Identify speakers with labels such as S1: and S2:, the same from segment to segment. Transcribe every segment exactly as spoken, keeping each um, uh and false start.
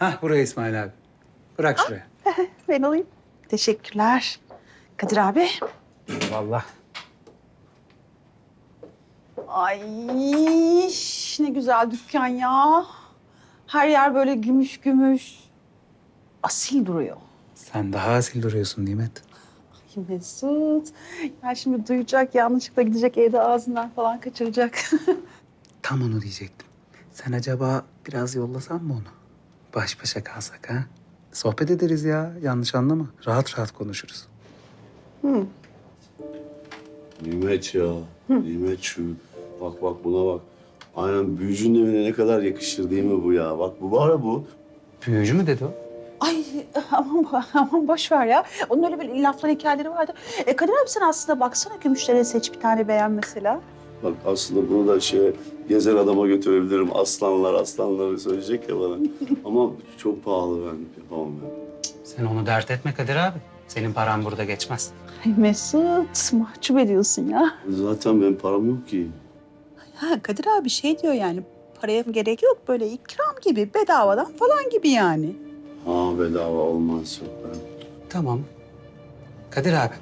S1: Hah buraya İsmail abi. Bırak şuraya.
S2: Ben alayım. Teşekkürler. Kadir abi.
S1: Vallahi.
S2: Ay ne güzel dükkan ya. Her yer böyle gümüş gümüş. Asil duruyor.
S1: Sen daha asil duruyorsun Nimet.
S2: Ay Mesut. Ya şimdi duyacak, yanlışlıkla gidecek, evde ağzından falan kaçıracak.
S1: Tam onu diyecektim. Sen acaba biraz yollasan mı onu? Baş başa kalsak ha? Sohbet ederiz ya. Yanlış anlama. Rahat rahat konuşuruz.
S3: Nimet ya. Nimet şu. Bak bak buna bak. Aynen büyücünün evine ne kadar yakışır değil mi bu ya? Bak bu var ya bu.
S1: Büyücü mü dedi o?
S2: Ay aman, aman boş ver ya. Onun öyle bir laflar, hikayeleri vardı. E Kadir abi sen aslında baksana, gümüşlere seç bir tane beğen mesela.
S3: Bak aslında bunu da şey gezer adama götürebilirim. Aslanlar aslanları söyleyecek ya bana. Ama çok pahalı, ben yapamam ben.
S1: Sen onu dert etme Kadir abi. Senin paran burada geçmez.
S2: Ay Mesut, mahcup ediyorsun ya.
S3: Zaten benim param yok ki.
S2: Ha Kadir abi şey diyor yani, paraya gerek yok, böyle ikram gibi, bedavadan falan gibi yani.
S3: Ha bedava olmaz yok ben.
S1: Tamam. Kadir abi.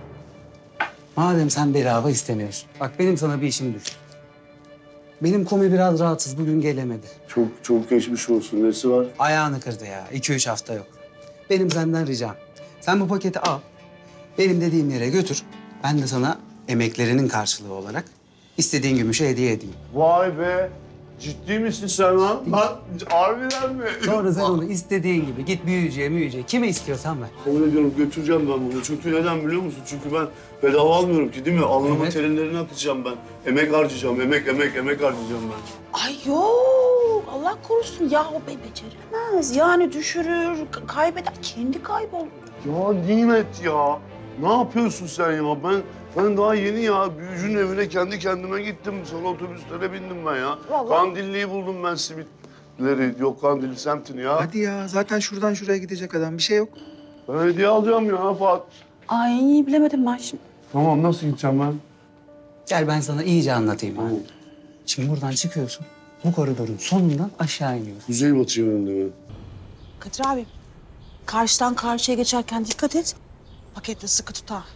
S1: Madem sen bedava istemiyorsun. Bak benim sana bir işim düştü. Benim komi biraz rahatsız. Bugün gelemedi.
S3: Çok çok geçmiş olsun. Nesi var?
S1: Ayağını kırdı ya. İki üç hafta yok. Benim senden ricam. Sen bu paketi al. Benim dediğim yere götür. Ben de sana emeklerinin karşılığı olarak istediğin gümüşü hediye edeyim.
S3: Vay be. Ciddi misin sen lan? Lan harbiden mi?
S1: Sonra sen onu istediğin gibi git büyücüye müyücüye kime istiyorsan ver.
S3: Kabul ediyorum, götüreceğim ben bunu. Çünkü neden biliyor musun? Çünkü ben bedava almıyorum ki değil mi? Alnımın
S1: Evet.
S3: terinlerini akıtacağım ben. Emek harcayacağım, emek, emek, emek harcayacağım ben.
S2: Ay yok, Allah korusun ya, o be beceremez. Yani düşürür, k- kaybeder, kendi kaybolur.
S3: Ya Nimet ya. Ne yapıyorsun sen ya? Ben ben daha yeni ya büyücünün evine kendi kendime gittim. Sonra otobüslere bindim ben ya.
S2: Vallahi.
S3: Kandilli'yi buldum ben, simitleri. Yok Kandilli semtini ya.
S1: Hadi ya zaten şuradan şuraya gidecek adam bir şey yok.
S3: Ben hediye alacağım ya Fuat.
S2: Ay bilemedim ben şimdi.
S3: Tamam, nasıl gideceğim ben?
S1: Gel ben sana iyice anlatayım abi. Şimdi buradan çıkıyorsun. Bu koridorun sonundan aşağı iniyorsun.
S3: Kuzey batıyor önünde mi?
S2: Kadir abi, karşıdan karşıya geçerken dikkat et. Paketle sıkı tut ha.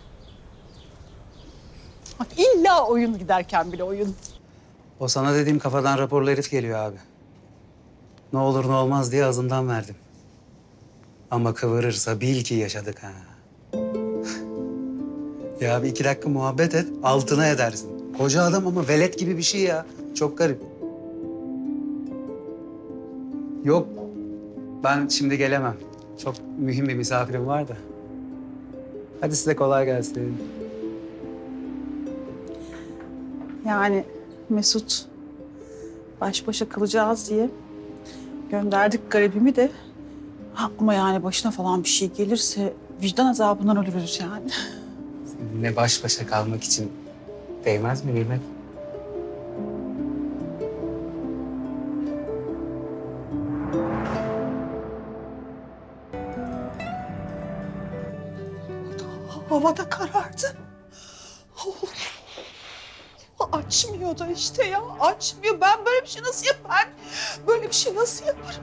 S2: Bak illa oyun, giderken bile oyun.
S1: O sana dediğim kafadan raporlu herif geliyor abi. Ne olur ne olmaz diye ağzımdan verdim. Ama kıvırırsa bil ki yaşadık ha. Ya bir iki dakika muhabbet et, altına edersin. Koca adam ama velet gibi bir şey ya. Çok garip. Yok, ben şimdi gelemem. Çok mühim bir misafirim var da. Hadi size kolay gelsin.
S2: Yani Mesut, baş başa kalacağız diye gönderdik garibimi de. Ha, ama yani başına falan bir şey gelirse vicdan azabından ölürüz yani.
S1: Ne baş başa kalmak için değmez mi Nimet?
S2: Hava da karardı. Açmıyor da işte ya, açmıyor. Ben böyle bir şey nasıl yaparım? Böyle bir şey nasıl yaparım?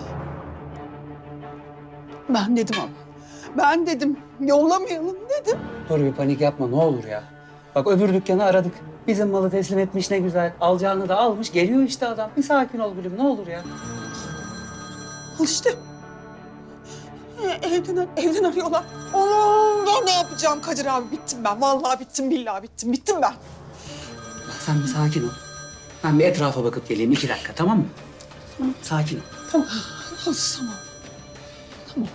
S2: Ben dedim ama. Ben dedim, yollamayalım dedim.
S1: Dur bir panik yapma ne olur ya. Bak öbür dükkanı aradık. Bizim malı teslim etmiş ne güzel. Alacağını da almış. Geliyor işte adam. Bir sakin ol gülüm ne olur ya.
S2: Al işte. Ee, Evden, evden arıyorlar. Allah, ne yapacağım Kadir abi? Bittim ben. Vallahi bittim, billahi bittim. Bittim ben.
S1: Bak sen bir sakin ol. Ben bir etrafa bakıp geleyim iki dakika tamam mı? Sakin ol.
S2: Tamam, tamam. Tamam.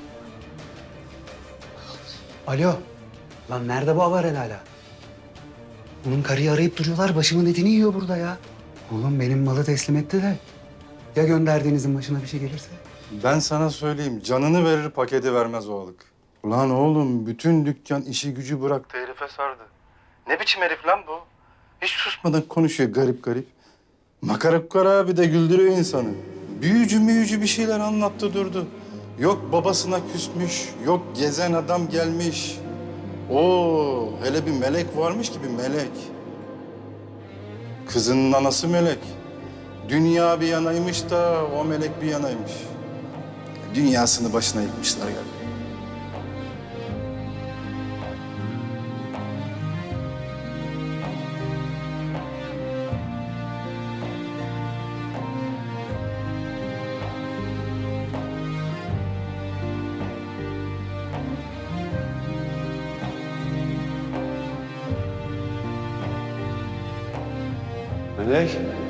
S1: Alo. Lan nerede bu haber hala? Bunun karıyı arayıp duruyorlar. Başımın etini yiyor burada ya. Oğlum benim malı teslim etti de. Ya gönderdiğinizin başına bir şey gelirse?
S4: Ben sana söyleyeyim, canını verir paketi vermez o alık. Ulan oğlum, bütün dükkan işi gücü bıraktı, herife sardı. Ne biçim herif lan bu? Hiç susmadan konuşuyor garip garip. Makara kukara bir de güldürüyor insanı. Büyücü müyücü bir şeyler anlattı durdu. Yok babasına küsmüş, yok gezen adam gelmiş. Oo, hele bir melek varmış gibi melek. Kızının anası melek. Dünya bir yanaymış da o melek bir yanaymış. Dünyasını başına yıkmışlar galiba.
S3: Melek.